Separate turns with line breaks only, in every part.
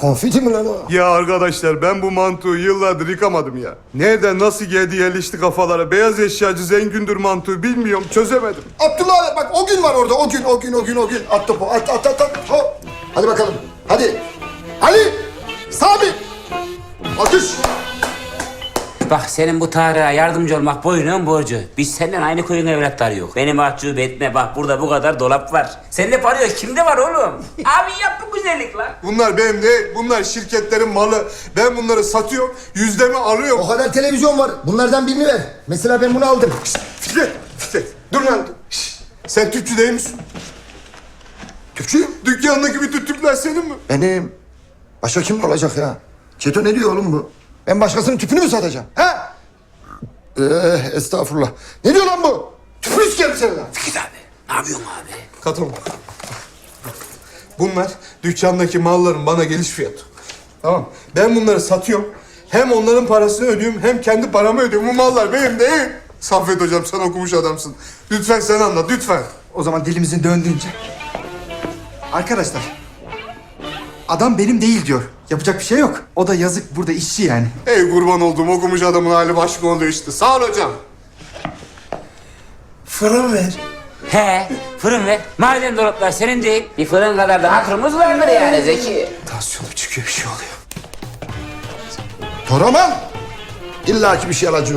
Konfeti mi lan o?
Ya arkadaşlar ben bu mantığı yıllardır yıkamadım ya. Nereden nasıl geldi yerleşti kafalara? Beyaz eşyacı Zengündür mantığı bilmiyorum, çözemedim.
Abdullah bak o gün var orada. O gün. At topu. At. Hop. Hadi bakalım. Hadi. Ali. Sami. Atış.
Bak senin bu Tarık'a yardımcı olmak boynun borcu. Biz senden aynı koyun evlatları yok. Beni mahcup etme bak burada bu kadar dolap var. Sende para yok kimde var oğlum? Abi yap bu güzellik lan.
Bunlar benim değil, bunlar şirketlerin malı. Ben bunları satıyorum, yüzdemi alıyorum.
O kadar televizyon var. Bunlardan birini ver. Mesela ben bunu aldım.
Fikret, dur lan. Şşt, sen tüpçü değil misin?
Tüpçüyüm.
Dükkanındaki bütün tüpler senin mi?
Benim. Başka kim olacak ya? Çeto ne diyor oğlum bu? Ben başkasının tüpünü mü satacağım? Ha? Estağfurullah. Ne diyor lan bu? Tüpünü sikerim seni lan.
Fikret abi ne yapıyorsun abi?
Katılma. Bunlar dükkandaki malların bana geliş fiyatı. Tamam. Ben bunları satıyorum. Hem onların parasını ödüyorum hem kendi paramı ödüyorum. Bu mallar benim değil. Saffet hocam sen okumuş adamsın. Lütfen sen anlat lütfen.
O zaman dilimizin döndüğünce. Arkadaşlar. Adam benim değil diyor. Yapacak bir şey yok. O da yazık burada işçi yani.
Ey kurban olduğum okumuş adamın hali başka oluyor işte. Sağ ol hocam.
Fırın ver.
He fırın ver. Madem dolaplar senin değil bir fırın kadar da hatırımız vardır yani Zeki.
Tansiyonum çıkıyor, bir şey oluyor.
Toraman. İlla ki bir şey alacak.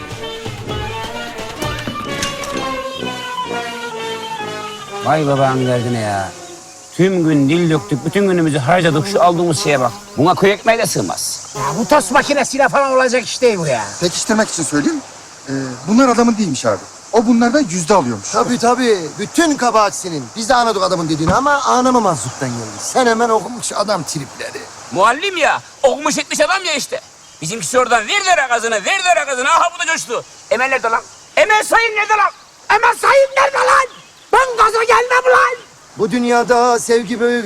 Vay babanın derdine ya. Tüm gün dil döktük, bütün günümüzü harcadık şu aldığımız şeye bak. Buna köy ekmeği de sığmaz.
Ya bu tost makinesiyle falan olacak iş değil bu ya.
Pekiştirmek için söyleyeyim. Bunlar adamın değilmiş abi. O bunlardan yüzde alıyormuş.
Tabii. Bütün kabahat senin. Biz de anladık adamın dediğini ama anlamamazlıktan geldik. Sen hemen okumuş adam tripleri.
Muallim ya, okumuş etmiş adam ya işte. Bizimkisi oradan ver de rakazını. Aha bu da coştu. Emel nerede lan? Emel Sayın nerede lan?
Hemen sayın nerede lan? Ben gaza gelmem lan.
Bu dünyada sevgi böyle